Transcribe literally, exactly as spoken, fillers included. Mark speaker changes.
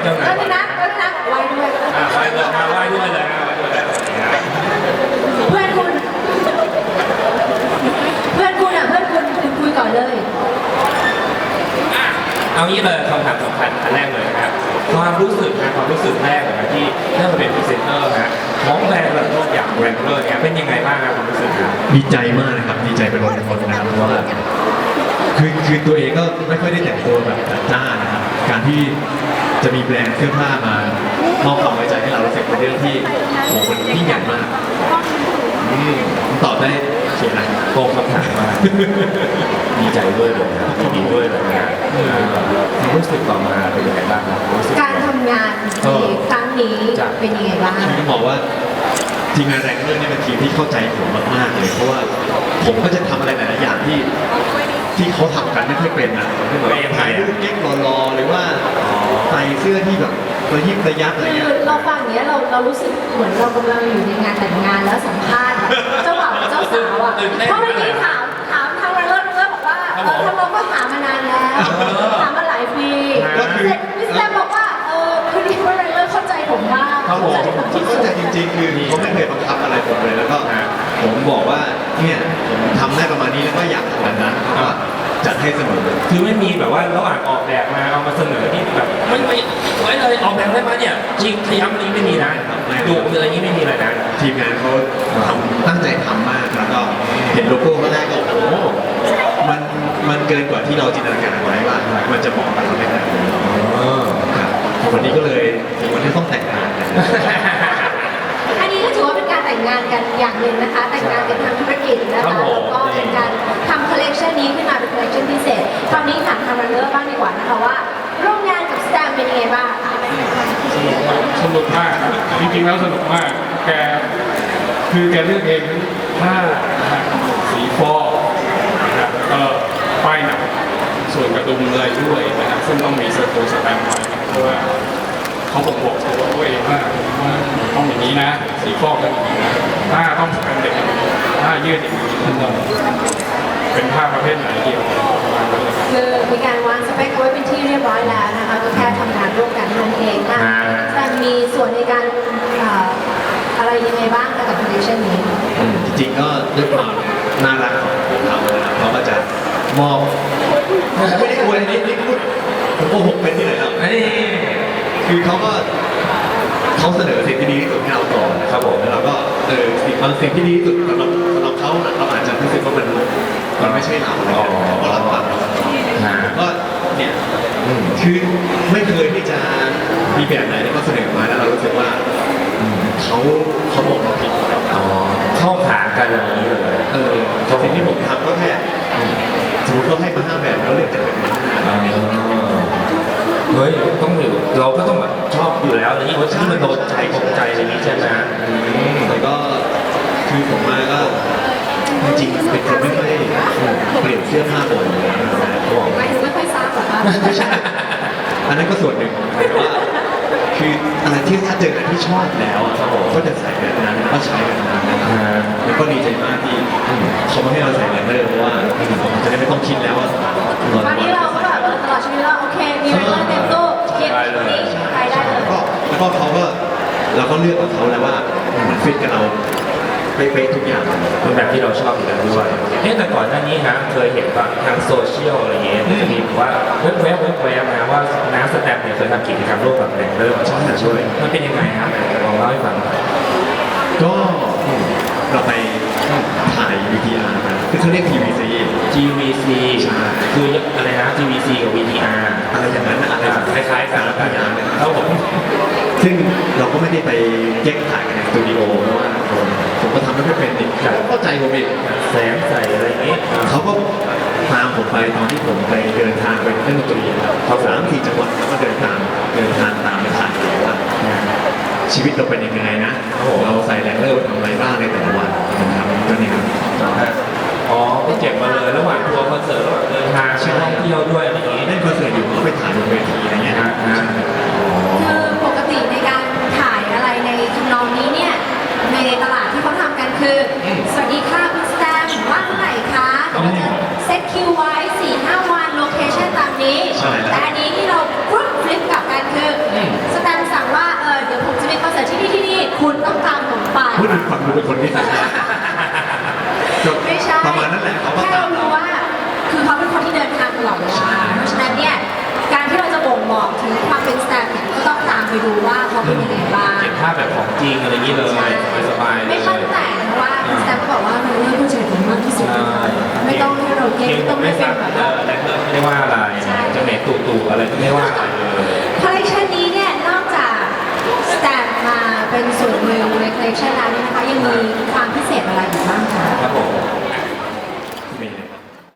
Speaker 1: เจ้านาย
Speaker 2: แล้วนะแล้วนะไหว้ด้วย
Speaker 1: อ่าไหว้เลยมาไหว้ด้วยเลยนะไหว้ด้วยเลย
Speaker 2: เพื่อนคุณ เพื่อนคุณอ่ะเพื่อนคุณคุณคุยก่อนเลย
Speaker 1: อ่ะเอางี้เลยคำถามสำคัญอันแรกเลยนะครับความรู้สึกนะความรู้สึกแรกเลยนะที่ได้มาเป็นพรีเซนเตอร์นะของแบรนด์ระดับอย่างแรงเลอร์เนี่ยเป็นยังไงบ้างครับความรู้สึกครับ
Speaker 3: ดีใจมากนะครับดีใจเป็นร้อยคนนะครับเพราะว่าคือคือตัวเองก็ไม่ค่อยได้แต่งตัวแบบจัดจ้านนะครับการที่จะมีแบรนด์เสื้อผ้ามามอบความไว้ใจให้เรารู้สึกเป็นเรื่องที่โหมันยิ่งใหญ่มากอืมผมตอบได้เขียนอะไร
Speaker 1: โกงคำถามมาดีใจด้วยเลยนะยินดีด้วยเลยนะความรู้สึกต่อมาเป็นยังไงบ้างครับรู้สึก
Speaker 2: การทำงานในครั้งนี้เป็นยังไงบ้าง
Speaker 3: คือต้องบอกว่าทีมงานแรงเรื่องนี้เป็นทีมที่เข้าใจผมมากๆเลยเพราะว่าผมก็จะทำอะไรหลายๆอย่างที่ที่เขาทำกันไม่ค่อยเป็นนะไม่เหมือนถ่ายรูปเก๊กรอๆหรือว่าใส่เสื้อที่แบบระยิบระยับอะไร
Speaker 2: คื
Speaker 3: เงี้
Speaker 2: อย เราฟังอย่างเนี้ยเราเรารู้สึกเหมือนเรากำลังอยู่ในงานแต่งงานแล้วสัมภาษณ์เจ้าบ่าวกับเจ้าสาวอ่ะเพราะเมื่อกี้ถามถามทางเลิศเลิศบอกว่าเออทางเราก็หามานานแล้วหามาหลายปีเสร็จมิสแตมบอกว่าเออคือที่ว่าเลิศเข้าใจผมมาก
Speaker 3: เขาบอกผมเข้าใจจริงๆคือเขาไม่เคยบังคับอะไรผมเลยแล้วก็ผมบอกว่าเนี่ยผมทำได้ประมาณนี้แล้วก็อยากทำแบบนั้นเขาก็จัดให้เสมอ
Speaker 1: คือไม่มีแบบว่าระหว่างออกแบบมาเอามาเสนอที่แบบไม่ไม่ไว้เลยออกแบบได้มาเนี่ยจริงขยับนี้ไม่มีนะดูอะไรนี้ไม่มีเลยนะ
Speaker 3: ทีมงานเขาทำตั้งใจทำมากแล้วก็เห็นโลโก้ก็แรกก็โอ้โหมันมันเกินกว่าที่เราจินตนาการไว้ว่ามันจะเหมาะกับเราได้ขนาดนี้ครับวันนี้ก็เลยถึงวันที่ต้องแต่งงานกัน
Speaker 2: อันนี้ก็ถือว่าเป็นการแต่งงานกันอย่างหนึ่งนะคะ แต่งงานกันทางธุรกิจนะคะแล้วก็เป็นการทำคอลเลกชันนี้ขึ้นมาเป็นคอลเลกชันพิเศษตอนนี้ถามทางรันเนอร์บ้างดีกว่านะคะว่าร่วมงานกับสแตมเป็นยังไงบ้าง
Speaker 4: สนุกมากครับจริงๆแล้วสนุกมาก แกคือแกเลือกเองทั้งผ้านะครับสีฟอกนะครับก็ป้ายหนักส่วนกระดุมเลยด้วยนะครับซึ่งต้องมีสโตสแตมป์ไว้เพราะว่าเขาบอกบอกตัวเองว่าว่าต้องอย่างนี้นะ สีฟอกกันอย่างนี้นะผ้าต้องสแตมป์เด็กอย่างนี้ผ้ายืดอย่างนี้ทั้งหมดเป็นผ้าประเภทไหนเดียวประมาณนั้นเลยครับ
Speaker 2: คือมีการวางสเปคเอาไว้เป็นที่เรียบร้อยแล้วนะคะก็แค่ทำงานร่วมกันนั่นเองนะแต่มีส่วนในการเอ่ออะไรยังไงบ้างกับคอลเลคชันนี้
Speaker 3: จริงๆก็ด้วยความน่ารักของเขานะครับเขาก็จะมอบไม่ได้อวยนิดนี่พูดผมโกหกเป็นที่ไหนแล้ว
Speaker 1: นี่
Speaker 3: คือเขาก็เขาเสนอสิ่งที่ดีที่สุดให้เราก่อนนะครับผมแล้วเราก็เออสิ่งบางสิ่งที่ดีที่สุดสำหรับสำหรับเขาเราอาจจะรู้สึกว่ามันมันไม่ใช่เราอะไรเงี้ยเขาก็รับฟังเราผมก็เนี่ยคือไม่เคยที่จะมีแบบไหนที่เขาเสนอมาแล้วเรารู้สึกว่าเขาเขาบอกเราผิด
Speaker 1: อ๋อเข้าขากันอย่างนี้เลย
Speaker 3: เออสิ่งที่ผมทำก็แค่สมมติเขาให้มาห้าแบบแล้วเลือกจากแบบนี้
Speaker 1: อ๋อเฮ้ยต้องอยู่เราก็ต้องแบบชอบอยู่แล้วอะไรอย่างนี้ว่าที่มันโดนใจตรงใจอะไรอย่างนี้ใช่ไหม
Speaker 3: แต่ก็คือผมมาก็จริงๆเป็นคนไม่ค่อยเปลี่ยนเสื้อผ้าบ่อยเลยนะเขาบอก
Speaker 2: ไม่ถึงไม่ค่อยทราบหรอกค่ะ
Speaker 3: ไม่ใช่อันนั้นก็ส่วนหนึ่งแต่ว่าคืออะไรที่ถ้าเจออะไรที่ชอบแล้วอะครับผมก็จะใส่แบบนั้นก็ใช้แบบนั้นนะครับแล้วก็ดีใจมากที่เขาไม่ให้เราใส่แบบนั้นเลยเพราะว่าผมจะได้ไม่ต้องคิดแล้วว่า
Speaker 2: ตอนนี้เราก็แบบเออตลอดชีวิตเราโอเคมีเวลาเต็มตู้เก็บนี่ไปได้เลย
Speaker 3: แล้วก็แล้วก็เขาก็เราก็เลือกกับเขาแล้วว่ามันฟิตกับเราเป๊ะๆทุกอย่าง
Speaker 1: เป็นแบบที่เราชอบอยู่แล้วด้วยเอ๊ะแต่ก่อนหน้านี้ฮะเคยเห็นว่าทางโซเชียลอะไรเงี้ยมันจะมีแบบว่าเว็บเว็บเว็บเว็บนะว่าน้ำสแตมป์เนี่ยเคยทำกิจกรรมร่วมกับแรงเริ่มชอบแต่ช่วยมันเป็นยังไงครับลองเล่าให้ฟังหน่อย
Speaker 3: ก็เราไปถ่าย วี ที อาร์ มาคือเขาเรียก ที วี ซี
Speaker 1: จี วี ซี
Speaker 3: ใช่
Speaker 1: คืออะไรนะ จี วี ซี กับ วี ที อาร์
Speaker 3: อะไรอย่างนั้นนะอะไร
Speaker 1: คล้ายๆกันแล้วกันครับผม
Speaker 3: ซึ่งเราก็ไม่ได้ไปแยกถ่ายกันในสตูดิโอเพราะว่าผมก็ทำไม่ค่อยเป็นอีกเขาก็เข้าใจผมอีก
Speaker 1: แสงใส่อะไรอย่างงี้
Speaker 3: เขาก็ตามผมไปตอนที่ผมไปเดินทางไปเล่นดนตรีครับสามสี่จังหวัดแล้วก็เดินทางเดินทางตามไปถ่ายว่าชีวิตเราเป็นยังไงนะเราใส่แรงเลอร์ทำอะไรบ้างในแต่ละวันนะครับก็นี่ครับ
Speaker 1: อ๋อก็เก็บมาเลยระหว่างทัวร์คอนเสิร์ตระหว่างเดินทางไปท่องเที่ยวด้วยอะไรอย่างงี้
Speaker 3: เล่นคอนเสิร์ตอยู่ก็ไปถ่ายบนเวทีอะไรเงี้ย
Speaker 1: นะนะ
Speaker 2: คือปกติในการถ่ายอะไรในทำนองนี้เนี่ยในตลาดที่เขาทำกันคือ สวัสดีค่ะคุณสแตมป์ว่างเมื่อไหร่คะเราจะเซตคิวไว้สี่ห้าวันโลเคชั่นตามนี้แต่อันนี้ที่เราปุ๊บฟลิปกลับกันคือ
Speaker 1: คิวผมไม่ซักเออแรกเริ่มไม่ได้ว่าอะไรจะเมตู่ตู่อะไรก็ไม่ว่าอะไรเลย
Speaker 2: คอลเลคชันนี้เนี่ยนอกจากสแตมมาเป็นส่วนหนึ่งในคอลเลคชันแล้วเนี่ยนะคะยังมีความพิเศษอะไรอีกบ้างคะ
Speaker 1: ครับผม